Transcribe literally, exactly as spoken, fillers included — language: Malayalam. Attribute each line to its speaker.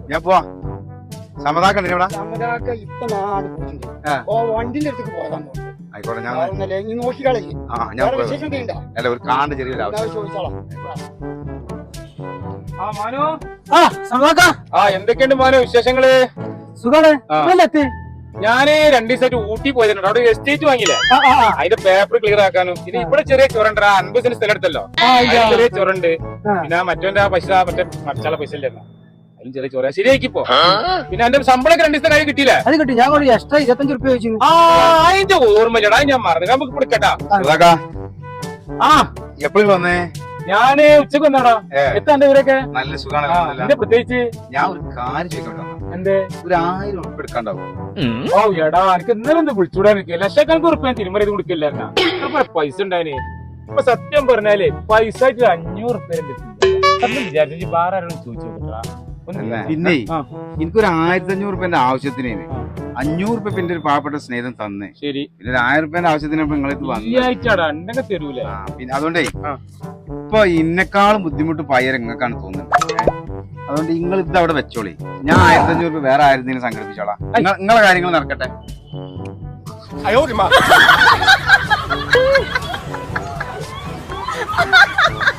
Speaker 1: ഞാൻ പോവാ. സമതാക്കണ്ട ഇവിടെ
Speaker 2: സമതാക്ക ഇപ്പൊ നാട് പോയിട്ടുണ്ട്. ഓ വണ്ടിന്റെ അടുത്തേക്ക് പോകാൻ
Speaker 1: ആയിക്കോട്ടെ. ഞാൻ
Speaker 2: നോക്കിക്കളെ.
Speaker 1: ആ ഞാൻ
Speaker 2: വിശേഷം ചെയ്യണ്ട.
Speaker 1: അല്ല ഒരു കാണ്ട് ചെറിയൊരു ആവശ്യം
Speaker 2: ചോദിച്ചോളാം.
Speaker 3: ആ മാനോ.
Speaker 2: ആ സമതാക്ക.
Speaker 3: ആ എന്തൊക്കെയുണ്ട് മാനോ വിശേഷങ്ങള്?
Speaker 2: സുഖാണ്.
Speaker 3: ഞാന് രണ്ടു ദിവസമായിട്ട് ഊട്ടി പോയിട്ടുണ്ട്. അവിടെ എസ്റ്റേറ്റ് വാങ്ങിയില്ലേ, അതിന്റെ പേപ്പർ ക്ലിയർ ആക്കാനും. പിന്നെ ഇവിടെ ചെറിയ ചുരണ്ട അൻപത് സെന്റ് സ്ഥലം എടുത്തല്ലോ, ചെറിയ ചുരണ്ട്. പിന്നെ മറ്റോന്റെ ആ പൈസ മറ്റേ മറിച്ചാളെ പൈസ ഇല്ലായിരുന്നു, അതിലും ചെറിയ ചൊര ശരിയാക്കിപ്പോ. പിന്നെ എന്റെ ശമ്പളം രണ്ടു ദിവസത്തെ കാര്യം കിട്ടിയില്ലേ?
Speaker 2: അത് കിട്ടി. ഞാൻ എക്സ്ട്രാ ഇരുപത്തഞ്ച് റുപ്യ ചോദിച്ചു.
Speaker 3: ആ അതിന്റെ ഓർമ്മയില്ലടാ, ഞാൻ മറന്നു. നമുക്ക് കൊടുക്കട്ടാ.
Speaker 1: ആ എപ്പോഴും വന്നേ?
Speaker 3: ഞാന് ഉച്ചക്ക് വന്നാടാ. എത്താണ്ട് ഇവരൊക്കെ
Speaker 1: നല്ല സുഖാണ്.
Speaker 3: പ്രത്യേകിച്ച്
Speaker 1: ഞാൻ ഒരു കാര്യം ചോദിക്കട്ടെ.
Speaker 3: എന്തേ?
Speaker 1: ഒരു ആയിരം ഉറപ്പ് എടുക്കാണ്ടാവും?
Speaker 3: ഓ എടാ, എനിക്ക് ഇന്നലെ ഒന്ന് വിളിച്ചുകൂടാൻ നിൽക്കുക. ലക്ഷക്കണക്ക് ഉറപ്പ് ഞാൻ തിരുമറി കൊടുക്കില്ലായിരുന്ന പൈസ ഉണ്ടായിന്. ഇപ്പൊ സത്യം പറഞ്ഞാലേ പൈസ ആയിട്ട് അഞ്ഞൂറ് ഉറുപ്പ്യ വിചാരിച്ചു വേറെ ആരോടും ചോദിച്ചു നോക്കട്ടാ.
Speaker 1: പിന്നെ എനിക്കൊരു ആയിരത്തി അഞ്ഞൂറ് റുപ്യന്റെ ആവശ്യത്തിന് അഞ്ഞൂറ് റുപ്യ പിന്നെ ഒരു പാവപ്പെട്ട സ്നേഹിതം തന്നെ.
Speaker 3: ശരി,
Speaker 1: പിന്നെ ഒരു ആയിരം റുപ്യന്റെ ആവശ്യത്തിന് നിങ്ങളിത്
Speaker 3: വന്നിട്ടാടാ ഉണ്ടെങ്കിൽ തരൂല.
Speaker 1: പിന്നെ അതുകൊണ്ടേ ഇപ്പൊ ഇന്നെക്കാളും ബുദ്ധിമുട്ട് പയ്യർ നിങ്ങൾക്കാണ് തോന്നുന്നത്. അതുകൊണ്ട് നിങ്ങൾ ഇത് അവിടെ വെച്ചോളി. ഞാൻ ആയിരത്തി അഞ്ഞൂറ് രൂപ വേറെ ആയിരത്തിന് സംഘടിപ്പിച്ചോളാം. നിങ്ങളെ കാര്യങ്ങൾ നടക്കട്ടെ.
Speaker 3: അയ്യോ